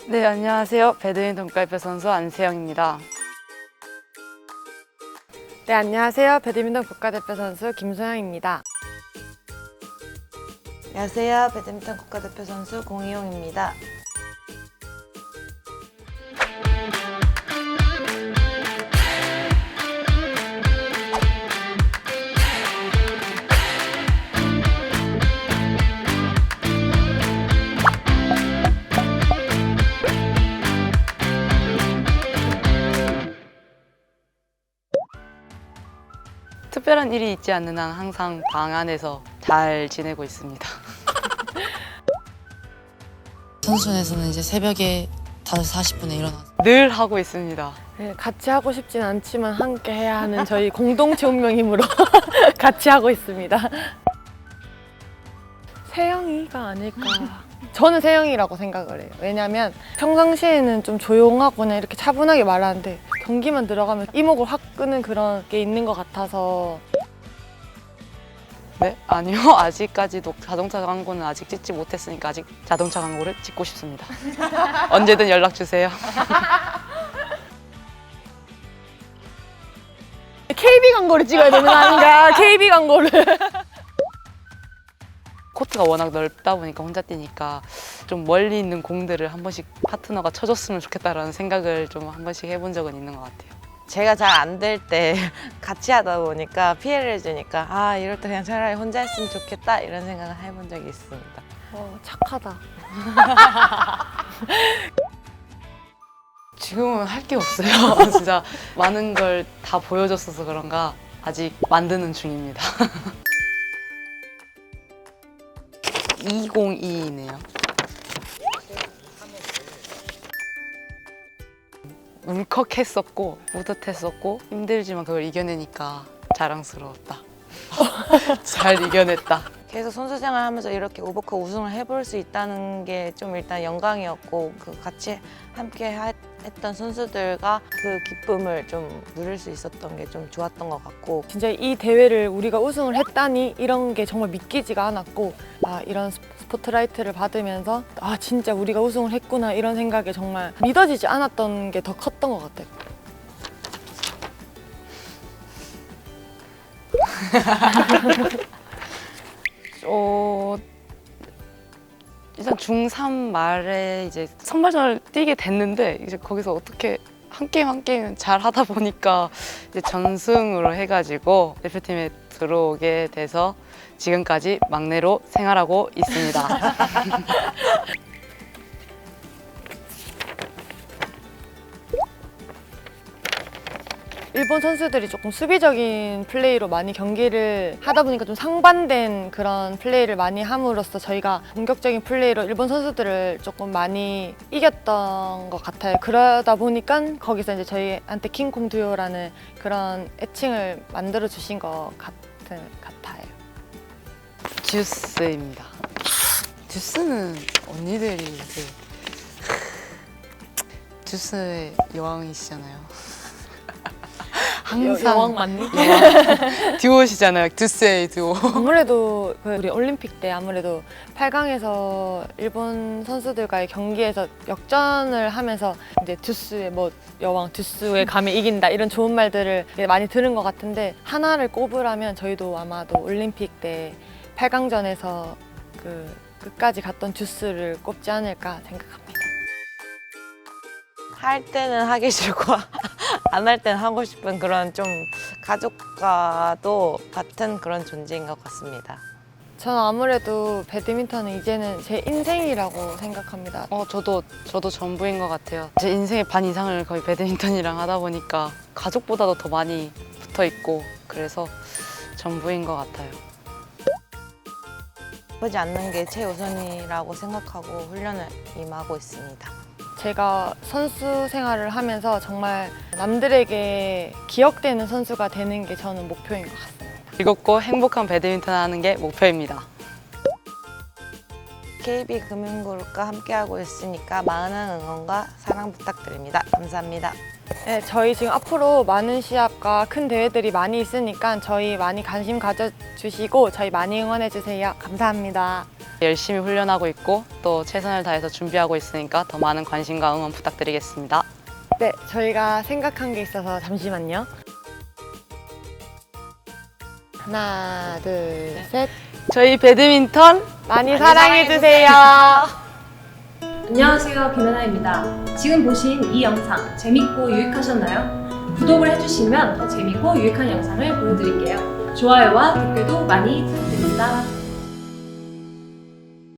네, 안녕하세요. 배드민턴 국가대표 선수 안세영입니다. 네, 안녕하세요. 배드민턴 국가대표 선수 김소영입니다. 안녕하세요. 배드민턴 국가대표 선수 공희용입니다. 특별한 일이 있지 않는 한 항상 방 안에서 잘 지내고 있습니다. 선수촌에서는 이제 새벽에 5시 40분에 일어나서 늘 하고 있습니다. 네, 같이 하고 싶진 않지만 함께 해야 하는 저희 공동체 운명이므로 같이 하고 있습니다. 세영이가 아닐까. 저는 세영이라고 생각을 해요. 왜냐면 평상시에는 좀 조용하거나 이렇게 차분하게 말하는데 경기만 들어가면 이목을 확 끄는 그런 게 있는 것 같아서. 네? 아니요. 아직까지도 자동차 광고는 아직 찍지 못했으니까 아직 자동차 광고를 찍고 싶습니다. 언제든 연락 주세요. KB 광고를 찍어야 되는 거 아닌가? KB 광고를. 코트가 워낙 넓다 보니까 혼자 뛰니까 좀 멀리 있는 공들을 한 번씩 파트너가 쳐줬으면 좋겠다라는 생각을 좀 한 번씩 해본 적은 있는 것 같아요. 제가 잘 안 될 때 같이 하다 보니까 피해를 주니까 아 이럴 때 그냥 차라리 혼자 했으면 좋겠다 이런 생각을 해본 적이 있습니다. 착하다. 지금은 할 게 없어요. 진짜 많은 걸 다 보여줬어서 그런가 아직 만드는 중입니다. 202네요. 울컥했었고 뿌듯했었고 힘들지만 그걸 이겨내니까 자랑스러웠다. 잘 이겨냈다. 계속 선수 생활하면서 이렇게 오버컵 우승을 해볼 수 있다는 게 좀 일단 영광이었고 그 같이 함께 했던 선수들과 그 기쁨을 좀 누릴 수 있었던 게 좀 좋았던 것 같고 진짜 이 대회를 우리가 우승을 했다니 이런 게 정말 믿기지가 않았고 이런 스포트라이트를 받으면서 진짜 우리가 우승을 했구나 이런 생각에 정말 믿어지지 않았던 게 더 컸던 것 같아요. 일단 중3 말에 이제 선발전을 뛰게 됐는데 이제 거기서 어떻게 한 게임 한 게임 잘 하다 보니까 이제 전승으로 해가지고 대표팀에 들어오게 돼서 지금까지 막내로 생활하고 있습니다. 일본 선수들이 조금 수비적인 플레이로 많이 경기를 하다 보니까 좀 상반된 그런 플레이를 많이 함으로써 저희가 공격적인 플레이로 일본 선수들을 조금 많이 이겼던 것 같아요. 그러다 보니까 거기서 이제 저희한테 킹콩 듀오라는 그런 애칭을 만들어 주신 것 같아요. 듀스입니다. 듀스는 언니들이 듀스의 여왕이시잖아요. 항상 여왕 맞니? 듀오시잖아요. 듀스의 듀오. 아무래도 우리 올림픽 때 아무래도 8강에서 일본 선수들과의 경기에서 역전을 하면서 이제 듀스의 여왕 듀스의 감에 이긴다 이런 좋은 말들을 많이 들은 것 같은데 하나를 꼽으라면 저희도 아마도 올림픽 때 8강전에서 끝까지 갔던 듀스를 꼽지 않을까 생각합니다. 할 때는 하기 싫고 안 할 때는 하고 싶은 그런 좀 가족과도 같은 그런 존재인 것 같습니다. 저는 아무래도 배드민턴은 이제는 제 인생이라고 생각합니다. 저도 전부인 것 같아요. 제 인생의 반 이상을 거의 배드민턴이랑 하다 보니까 가족보다도 더 많이 붙어 있고 그래서 전부인 것 같아요. 아프지 않는 게 최우선이라고 생각하고 훈련을 임하고 있습니다. 제가 선수 생활을 하면서 정말 남들에게 기억되는 선수가 되는 게 저는 목표인 것 같습니다. 즐겁고 행복한 배드민턴 하는 게 목표입니다. KB금융그룹과 함께하고 있으니까 많은 응원과 사랑 부탁드립니다. 감사합니다. 네, 저희 지금 앞으로 많은 시합과 큰 대회들이 많이 있으니까 저희 많이 관심 가져주시고 저희 많이 응원해주세요. 감사합니다. 열심히 훈련하고 있고 또 최선을 다해서 준비하고 있으니까 더 많은 관심과 응원 부탁드리겠습니다. 네, 저희가 생각한 게 있어서 잠시만요. 하나, 둘, 셋. 저희 배드민턴 많이 사랑해주세요. 안녕하세요, 김연아입니다. 지금 보신 이 영상 재밌고 유익하셨나요? 구독을 해주시면 더 재밌고 유익한 영상을 보여드릴게요. 좋아요와 댓글도 많이 부탁드립니다.